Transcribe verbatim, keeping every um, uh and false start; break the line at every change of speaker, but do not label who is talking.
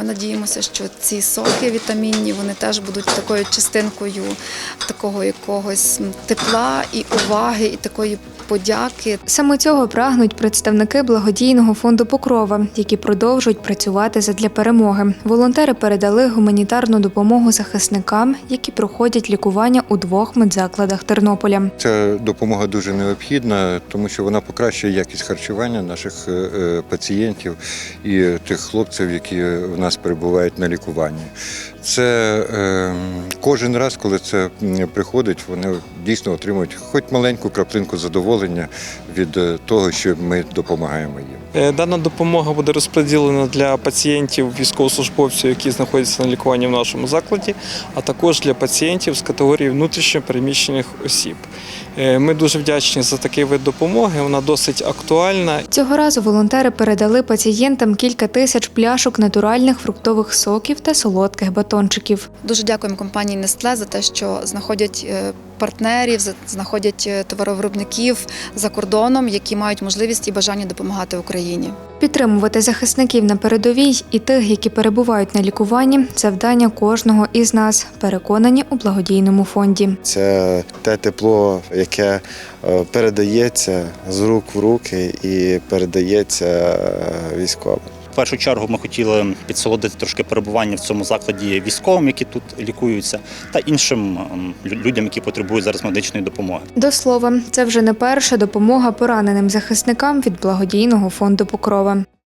ми надіємося, що ці соки вітамінні, вони теж будуть такою частинкою такого якогось тепла і уваги, і такої подяки.
Саме цього прагнуть представники благодійного фонду «Покрова», які продовжують працювати задля перемоги. Волонтери передали гуманітарну допомогу захисникам, які проходять лікування у двох медзакладах Тернополя.
Ця допомога дуже необхідна, тому що вона покращує якість харчування наших пацієнтів і тих хлопців, які в нас перебувають на лікуванні. Це е, кожен раз, коли це приходить, вони дійсно отримують хоч маленьку краплинку задоволення від того, що ми допомагаємо їм.
Дана допомога буде розподілена для пацієнтів, військовослужбовців, які знаходяться на лікуванні в нашому закладі, а також для пацієнтів з категорії внутрішньо переміщених осіб. Ми дуже вдячні за такий вид допомоги, вона досить актуальна.
Цього разу волонтери передали пацієнтам кілька тисяч пляшок натуральних фруктових соків та солодких батончиків.
Дуже дякуємо компанії Nestlé за те, що знаходять партнерів, знаходять товаровиробників за кордоном, які мають можливість і бажання допомагати Україні.
Підтримувати захисників на передовій і тих, які перебувають на лікуванні – завдання кожного із нас, переконані у благодійному фонді.
Це те тепло, яке передається з рук в руки і передається військовим.
В першу чергу ми хотіли підсолодити трошки перебування в цьому закладі військовим, які тут лікуються, та іншим людям, які потребують зараз медичної допомоги.
До слова, це вже не перша допомога пораненим захисникам від благодійного фонду «Покрова».